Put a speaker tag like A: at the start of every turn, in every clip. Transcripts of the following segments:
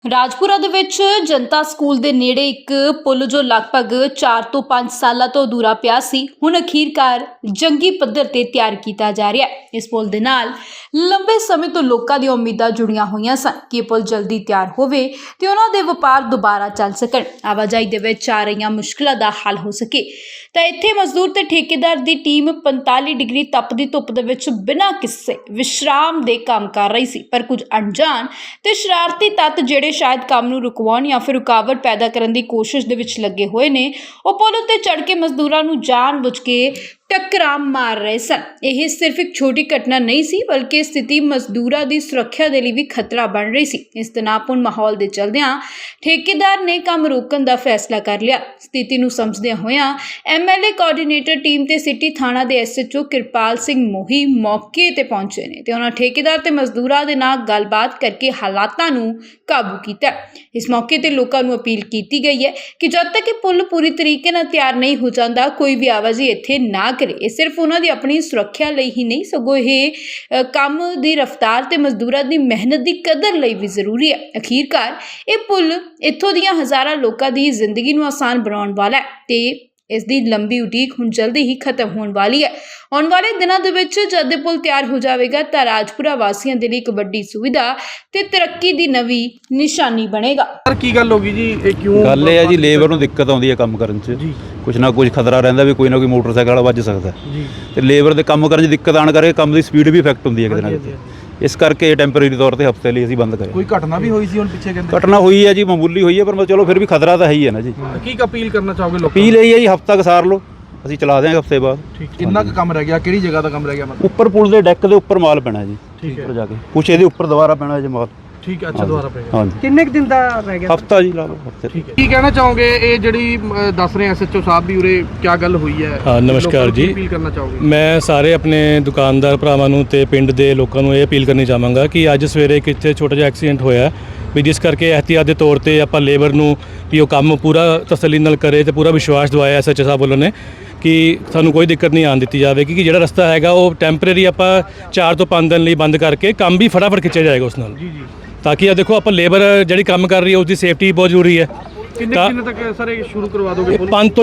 A: ਰਾਜਪੁਰਾ ਦੇ ਵਿੱਚ ਜਨਤਾ ਸਕੂਲ ਦੇ ਨੇੜੇ ਇੱਕ ਪੁਲ ਜੋ ਲਗਭਗ 4 ਤੋਂ 5 ਸਾਲਾਂ ਤੋਂ ਅਧੂਰਾ ਪਿਆ ਸੀ, ਹੁਣ ਅਖੀਰਕਾਰ ਜੰਗੀ ਪੱਧਰ ਤੇ ਤਿਆਰ ਕੀਤਾ ਜਾ ਰਿਹਾ ਹੈ। ਇਸ ਪੁਲ ਦੇ ਨਾਲ ਲੰਬੇ ਸਮੇਂ ਤੋਂ ਲੋਕਾਂ ਦੀਆਂ ਉਮੀਦਾਂ ਜੁੜੀਆਂ ਹੋਈਆਂ ਸਨ ਕਿ ਇਹ ਪੁਲ ਜਲਦੀ ਤਿਆਰ ਹੋਵੇ ਤੇ ਉਹਨਾਂ ਦੇ ਵਪਾਰ ਦੁਬਾਰਾ ਚੱਲ ਸਕਣ, ਆਵਾਜਾਈ ਦੇ ਵਿੱਚ ਆ ਰਹੀਆਂ ਮੁਸ਼ਕਲਾਂ ਦਾ ਹੱਲ ਹੋ ਸਕੇ। ਤਾਂ ਇੱਥੇ ਮਜ਼ਦੂਰ ਤੇ ਠੇਕੇਦਾਰ ਦੀ ਟੀਮ 45 ਡਿਗਰੀ ਤਪਦੀ ਧੁੱਪ ਦੇ ਵਿੱਚ ਬਿਨਾਂ ਕਿਸੇ ਵਿਸ਼ਰਾਮ ਦੇ ਕੰਮ ਕਰ ਰਹੀ ਸੀ, ਪਰ ਕੁਝ ਅਣਜਾਣ ਤੇ ਸ਼ਰਾਰਤੀ ਤੱਤ ਜਿਹੜੇ ਸ਼ਾਇਦ ਕੰਮ ਨੂੰ ਰੁਕਵਾਉਣ ਜਾਂ ਫਿਰ ਰੁਕਾਵਟ ਪੈਦਾ ਕਰਨ ਦੀ ਕੋਸ਼ਿਸ਼ ਦੇ ਵਿੱਚ ਲੱਗੇ ਹੋਏ ਨੇ, ਉਹ ਪੁਲ ਉੱਤੇ ਚੜ੍ਹ ਕੇ ਮਜ਼ਦੂਰਾਂ ਨੂੰ ਜਾਣ-ਬੁੱਝ ਕੇ ਟੱਕਰਾਂ ਮਾਰ ਰਹੇ ਸਨ। ਇਹ ਸਿਰਫ ਇੱਕ ਛੋਟੀ ਘਟਨਾ ਨਹੀਂ ਸੀ, ਬਲਕਿ ਸਥਿਤੀ ਮਜ਼ਦੂਰਾਂ ਦੀ ਸੁਰੱਖਿਆ ਦੇ ਲਈ ਵੀ ਖਤਰਾ ਬਣ ਰਹੀ ਸੀ। ਇਸ ਤਣਾਅਪੂਰਨ ਮਾਹੌਲ ਦੇ ਚਲਦਿਆਂ ਠੇਕੇਦਾਰ ਨੇ ਕੰਮ ਰੋਕਣ ਦਾ ਫੈਸਲਾ ਕਰ ਲਿਆ। ਸਥਿਤੀ ਨੂੰ ਸਮਝਦਿਆਂ ਹੋਇਆਂ ਐਮਐਲਏ ਕੋਆਰਡੀਨੇਟਰ ਟੀਮ ਤੇ ਸਿਟੀ ਥਾਣਾ ਦੇ ਐਸਐਚਓ ਕਿਰਪਾਲ ਸਿੰਘ ਮੋਹੀ ਮੌਕੇ ਤੇ ਪਹੁੰਚੇ ਨੇ ਤੇ ਉਹਨਾਂ ਠੇਕੇਦਾਰ ਤੇ ਮਜ਼ਦੂਰਾਂ ਦੇ ਨਾਲ ਗੱਲਬਾਤ ਕਰਕੇ ਹਾਲਾਤਾਂ ਨੂੰ ਕਾਬੂ ਕੀਤਾ। ਇਸ ਮੌਕੇ ਤੇ ਲੋਕਾਂ ਨੂੰ ਅਪੀਲ ਕੀਤੀ ਗਈ ਹੈ ਕਿ ਜਦ ਤੱਕ ਇਹ ਪੁਲ ਪੂਰੀ ਤਰੀਕੇ ਨਾਲ ਤਿਆਰ ਨਹੀਂ ਹੋ ਜਾਂਦਾ, ਕੋਈ ਵੀ ਆਵਾਜਾਈ ਇੱਥੇ ਨਾ ਕਰੇ। ਇਹ ਸਿਰਫ ਉਹਨਾਂ ਦੀ ਆਪਣੀ ਸੁਰੱਖਿਆ ਲਈ ਹੀ ਨਹੀਂ, ਸਗੋਂ ਇਹ ਕੰਮ ਦੀ ਰਫ਼ਤਾਰ ਤੇ ਮਜ਼ਦੂਰਾਂ ਦੀ ਮਿਹਨਤ ਦੀ ਕਦਰ ਲਈ ਵੀ ਜ਼ਰੂਰੀ ਹੈ। ਅਖੀਰਕਾਰ ਇਹ ਪੁਲ ਇੱਥੋਂ ਦੀਆਂ ਹਜ਼ਾਰਾਂ ਲੋਕਾਂ ਦੀ ਜ਼ਿੰਦਗੀ ਨੂੰ ਆਸਾਨ ਬਣਾਉਣ ਵਾਲਾ ਹੈ ਤੇ ਇਸ ਦੀ ਲੰਬੀ ਉਡੀਕ ਹੁਣ ਜਲਦੀ ਹੀ ਖਤਮ ਹੋਣ ਵਾਲੀ ਹੈ। ਆਉਣ ਵਾਲੇ ਦਿਨਾਂ ਦੇ ਵਿੱਚ ਜਦ ਇਹ ਪੁਲ ਤਿਆਰ ਹੋ ਜਾਵੇਗਾ ਤਾਂ ਰਾਜਪੁਰਾ ਵਾਸੀਆਂ ਦੇ ਲਈ ਇੱਕ ਵੱਡੀ ਸੁਵਿਧਾ ਤੇ ਤਰੱਕੀ ਦੀ ਨਵੀਂ ਨਿਸ਼ਾਨੀ ਬਣੇਗਾ।
B: ਸਰ ਕੀ ਗੱਲ ਹੋ ਗਈ ਜੀ, ਇਹ ਕਿਉਂ
C: ਗੱਲ ਇਹ ਹੈ ਜੀ, ਲੇਬਰ ਨੂੰ ਦਿੱਕਤ ਆਉਂਦੀ ਹੈ ਕੰਮ ਕਰਨ 'ਚ। ਕੁਛ ਨਾ ਕੁਛ ਖਤਰਾ ਰਹਿੰਦਾ ਵੀ ਕੋਈ ਨਾ ਕੋਈ ਮੋਟਰਸਾਈਕਲ ਵਾਲਾ ਵੱਜ ਸਕਦਾ ਜੀ, ਤੇ ਲੇਬਰ ਦੇ ਕੰਮ ਕਰਨ 'ਚ ਦਿੱਕਤ ਆਉਣ ਕਰਕੇ ਕੰਮ ਦੀ ਸਪੀਡ ਵੀ ਇਫੈਕਟ ਹੁੰਦੀ ਹੈ ਕਿਤੇ ਨਾ ਕਿਤੇ। ਇਸ ਕਰਕੇ ਟੈਂਪਰੇਰੀ ਤੌਰ ਤੇ ਹਫ਼ਤੇ ਲਈ ਅਸੀਂ ਬੰਦ ਕਰਿਆ।
B: ਕੋਈ ਘਟਨਾ ਵੀ ਹੋਈ ਸੀ ਹੁਣ ਪਿੱਛੇ ਕਹਿੰਦੇ?
C: ਘਟਨਾ ਹੋਈ ਹੈ ਜੀ, ਮਾਮੂਲੀ ਹੋਈ ਹੈ, ਪਰ ਚਲੋ ਫਿਰ ਵੀ ਖਤਰਾ ਤਾਂ ਹੈ ਹੀ ਹੈ ਨਾ ਜੀ।
B: ਕੀ ਅਪੀਲ ਕਰਨਾ ਚਾਹੋਗੇ ਲੋਕਾਂ
C: ਅਪੀਲ ਇਹ ਹੈ ਜੀ, ਹਫ਼ਤਾ ਕੁ ਸਾਰ ਲਓ, ਅਸੀਂ ਚਲਾ ਦਿਆਂਗੇ ਹਫ਼ਤੇ ਬਾਅਦ।
B: ਕਿੰਨਾ ਕੁ ਕੰਮ ਰਹਿ ਗਿਆ, ਕਿਹੜੀ ਜਗ੍ਹਾ ਦਾ ਕੰਮ ਰਹਿ ਗਿਆ? ਮਤਲਬ
C: ਉੱਪਰ ਪੁਲ ਦੇ ਡੈਕ ਦੇ ਉੱਪਰ ਮਾਲ ਪੈਣਾ ਜੀ, ਉੱਪਰ ਜਾ ਕੇ ਕੁਛ ਇਹਦੇ ਉੱਪਰ ਦੁਬਾਰਾ ਪੈਣਾ ਜੀ ਮਾਲ।
B: ਠੀਕ ਹੈ, ਅੱਛਾ ਦੁਬਾਰਾ ਪਏਗਾ।
C: ਹਾਂਜੀ,
D: ਕਿੰਨੇ ਕੁ ਦਿਨ ਦਾ ਰਹਿ ਗਿਆ?
C: ਹਫ਼ਤਾ ਜੀ ਲਾ ਲਓ, ਹਫ਼ਤੇ।
B: ਠੀਕ ਹੈ, ਕੀ ਕਹਿਣਾ ਚਾਹੋਗੇ? ਇਹ ਜਿਹੜੀ ਦੱਸ ਰਹੇ ਐਸਐਚਓ ਸਾਹਿਬ ਵੀ ਉਰੇ ਕੀ ਗੱਲ ਹੋਈ ਹੈ?
E: ਹਾਂ, ਨਮਸਕਾਰ ਜੀ।
B: ਅਪੀਲ ਕਰਨਾ ਚਾਹੋਗੇ?
E: ਮੈਂ ਸਾਰੇ ਆਪਣੇ ਦੁਕਾਨਦਾਰ ਭਰਾਵਾਂ ਨੂੰ ਤੇ ਪਿੰਡ ਦੇ ਲੋਕਾਂ ਨੂੰ ਇਹ ਅਪੀਲ ਕਰਨੀ ਚਾਹਾਂਗਾ ਕਿ ਅੱਜ ਸਵੇਰੇ ਇੱਕ ਇੱਥੇ ਛੋਟਾ ਜਿਹਾ ਐਕਸੀਡੈਂਟ ਹੋਇਆ ਵੀ, ਜਿਸ ਕਰਕੇ ਇਹਤਿਆਤ ਦੇ ਤੌਰ ਤੇ ਆਪਾਂ ਲੇਬਰ ਨੂੰ ਵੀ ਉਹ ਕੰਮ ਪੂਰਾ ਤਸੱਲੀ ਨਾਲ ਕਰੇ ਤੇ ਪੂਰਾ ਵਿਸ਼ਵਾਸ ਦਿਵਾਇਆ ਐਸਐਚਓ ਸਾਹਿਬ ਵੱਲੋਂ ਨੇ ਕਿ ਸਾਨੂੰ ਕੋਈ ਦਿੱਕਤ ਨਹੀਂ ਆਉਣ ਦਿੱਤੀ ਜਾਵੇਗੀ, ਕਿ ਜਿਹੜਾ ਰਸਤਾ ਹੈਗਾ ਉਹ ਟੈਂਪਰੇਰੀ ਆਪਾਂ 4 ਤੋਂ 5 ਦਿਨ ਲਈ ਬੰਦ ਕਰਕੇ ਕੰਮ ਵੀ ਫਟਾਫਟ ਖਿੱਚਿਆ ਜਾਏਗਾ ਉਸ ਨਾਲ।
B: ਜੀ
E: ਤਾਂ ਕਿ ਦੇਖੋ ਆਪਾਂ ਲੇਬਰ ਜਿਹੜੀ ਕੰਮ ਕਰ ਰਹੀ ਹੈ ਉਸ ਦੀ ਸੇਫਟੀ ਬਹੁਤ ਜ਼ਰੂਰੀ ਹੈ।
B: ਕਿੰਨੇ ਤੱਕ ਸਰ ਇਹ ਸ਼ੁਰੂ ਕਰਵਾ ਦੋਗੇ?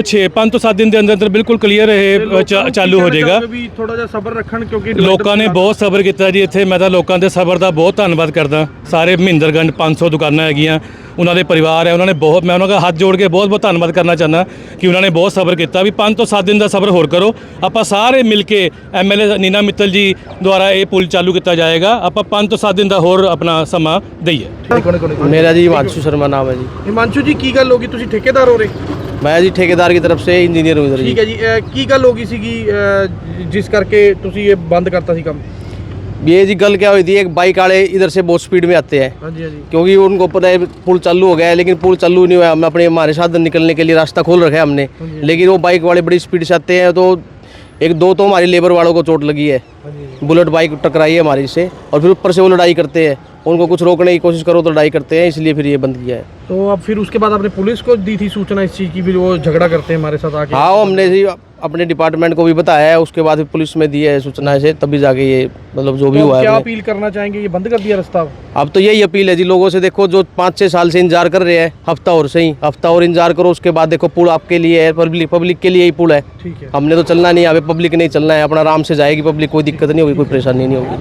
E: 5 ਤੋਂ 7 ਦਿਨ ਦੇ ਅੰਦਰ ਬਿਲਕੁਲ ਕਲੀਅਰ ਇਹ ਚਾਲੂ ਹੋ ਜਾਏਗਾ।
B: ਵੀ ਥੋੜਾ ਜਿਹਾ ਸਬਰ ਰੱਖਣ, ਕਿਉਂਕਿ
E: ਲੋਕਾਂ ਨੇ ਬਹੁਤ ਸਬਰ ਕੀਤਾ ਜੀ ਇੱਥੇ। ਮੈਂ ਤਾਂ ਲੋਕਾਂ ਦੇ ਸਬਰ ਦਾ ਬਹੁਤ ਧੰਨਵਾਦ ਕਰਦਾ। ਸਾਰੇ ਮਹਿੰਦਰਗੰਜ 500 ਦੁਕਾਨਾਂ ਹੈਗੀਆਂ, ਉਹਨਾਂ ਦੇ ਪਰਿਵਾਰ ਹੈ, ਉਹਨਾਂ ਨੇ ਬਹੁਤ, ਮੈਂ ਉਹਨਾਂ ਦਾ ਹੱਥ ਜੋੜ ਕੇ ਬਹੁਤ ਧੰਨਵਾਦ ਕਰਨਾ ਚਾਹੁੰਦਾ ਕਿ ਉਹਨਾਂ ਨੇ ਬਹੁਤ ਸਬਰ ਕੀਤਾ। ਵੀ 5 ਤੋਂ 7 ਦਿਨ ਦਾ ਸਬਰ ਹੋਰ ਕਰੋ, ਆਪਾਂ ਸਾਰੇ ਮਿਲ ਕੇ ਐਮਐਲਏ ਨੀਨਾ ਮਿੱਤਲ ਜੀ ਦੁਆਰਾ ਇਹ ਪੁਲ ਚਾਲੂ ਕੀਤਾ ਜਾਏਗਾ। ਆਪਾਂ 5 ਤੋਂ 7 ਦਿਨ ਦਾ ਹੋਰ ਆਪਣਾ ਸਮਾਂ ਦਈਏ।
D: मेरा जी हिमांशु शर्मा नाम है जी।
B: हिमांशु जी की गल होगी, तुसी ठेकेदार हो रहे?
D: मैं जी ठेकेदार की तरफ से इंजीनियर हूँ इधर।
B: ठीक है जी, की गल होगी सीगी जिस करके तुसी ये बंद करता सी काम?
D: ये जी गल क्या हुई थी, एक बाइक वाले इधर से बहुत स्पीड में आते हैं।
B: हाँ जी, हाँ जी।
D: क्योंकि उनको पता है पुल चालू हो गया है, लेकिन पुल चालू नहीं हुआ। हम अपने हमारे साधन निकलने के लिए रास्ता खोल रखा है हमने, लेकिन वो बाइक वाले बड़ी स्पीड से आते हैं। तो एक दो तो हमारी लेबर वालों को चोट लगी है, बुलेट बाइक टकराई है हमारी से, और फिर ऊपर से वो लड़ाई करते हैं। उनको कुछ रोकने की कोशिश करो तो लड़ाई करते हैं, इसलिए फिर ये बंद किया है।
B: तो अब फिर उसके बाद आपने पुलिस को दी थी सूचना इस चीज़ की, फिर वो झगड़ा करते हैं हमारे साथ आके?
D: हाँ, हमने जी अपने डिपार्टमेंट को भी बताया है, उसके बाद पुलिस में दी है सूचना से, तभी जाके ये मतलब जो भी हुआ है।
B: क्या अपील करना चाहेंगे? ये बंद कर दिया रास्ता
D: अब तो यही अपील है जी लोगों से। देखो जो 5-6 साल से इंतजार कर रहे हैं, हफ्ता और इंतजार करो। उसके बाद देखो पुल आपके लिए है, पब्लिक के लिए ही पुल है।
B: ठीक है,
D: हमने तो चलना नहीं है, अभी पब्लिक नहीं चलना है, अपना आराम से जाएगी पब्लिक, कोई दिक्कत नहीं होगी, कोई परेशानी नहीं होगी।